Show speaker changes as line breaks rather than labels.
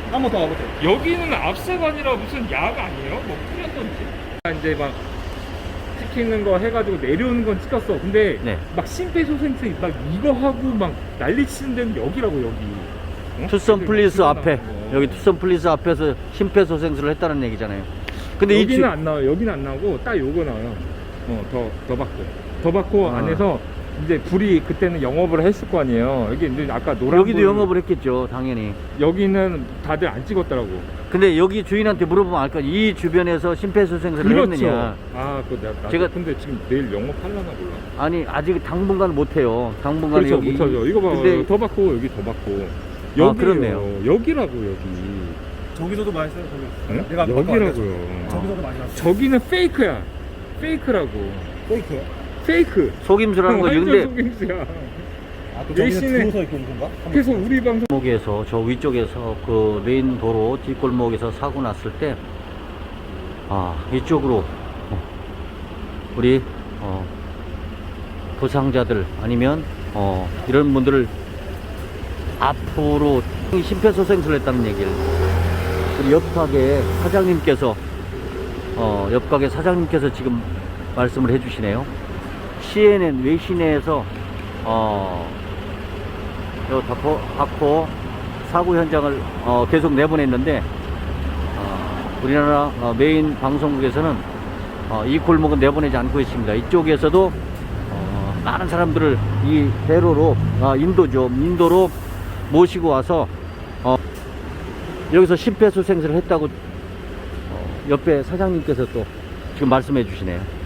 한 번 더 가보세요.
여기는 앞세가 아니라 무슨 약 아니에요? 뭐 뿌렸던지. 이제 막 찍히는 거 해가지고 내려오는 건 찍혔어. 근데
네.
막 심폐소생술 막 이거 하고 막 난리치는 데는 여기라고 여기. 어?
투썸 플리스
막
앞에,
나오는 거.
여기 투썸 플리스 앞에서 심폐소생술을 했다는 얘기잖아요. 근데
여기는 안 나와요. 여기는 안 나오고 딱 요거 나와요. 더 받고. 더 받고
아.
안에서 이제 불이 그때는 영업을 했을 거 아니에요. 여기 이제 아까 노란
여기도
불,
영업을 했겠죠, 당연히.
여기는 다들 안 찍었더라고.
근데 여기 주인한테 물어보면 알까? 이 주변에서 심폐소생술을 했느냐?
아, 그거 내가
제가-
근데 지금 내일 영업하려나 몰라.
아니, 아직 당분간 못해요. 당분간
그렇죠,
여기.
못하죠. 이거 봐,
근데
더 받고 여기 더 받고. 여기
그렇네요.
여기라고 여기.
저기서도 많이 써요, 저기.
응?
내가 아까
여기라고요.
저기서도 많이 났어.
저기는 페이크야. 페이크라고.
페이크요?
페이크.
속임수라는 거지. 근데
속임수야.
아, 그
내신에-
저기는 줄서 이렇게 온 건가?
그래서 우리 방송
골목에서 저 위쪽에서 그 메인 도로 뒷골목에서 사고 났을 때, 이쪽으로 우리 부상자들 아니면 이런 분들을 앞으로 심폐소생술을 했다는 얘기를 우리 옆가게 사장님께서 옆가게 사장님께서 지금 말씀을 해주시네요. CNN 외신에서 요 다포 사고 현장을 계속 내보냈는데 우리나라 메인 방송국에서는 이 골목은 내보내지 않고 있습니다. 이쪽에서도 많은 사람들을 이 대로로 인도로 모시고 와서 여기서 심폐소생술을 했다고 옆에 사장님께서 또 지금 말씀해 주시네요.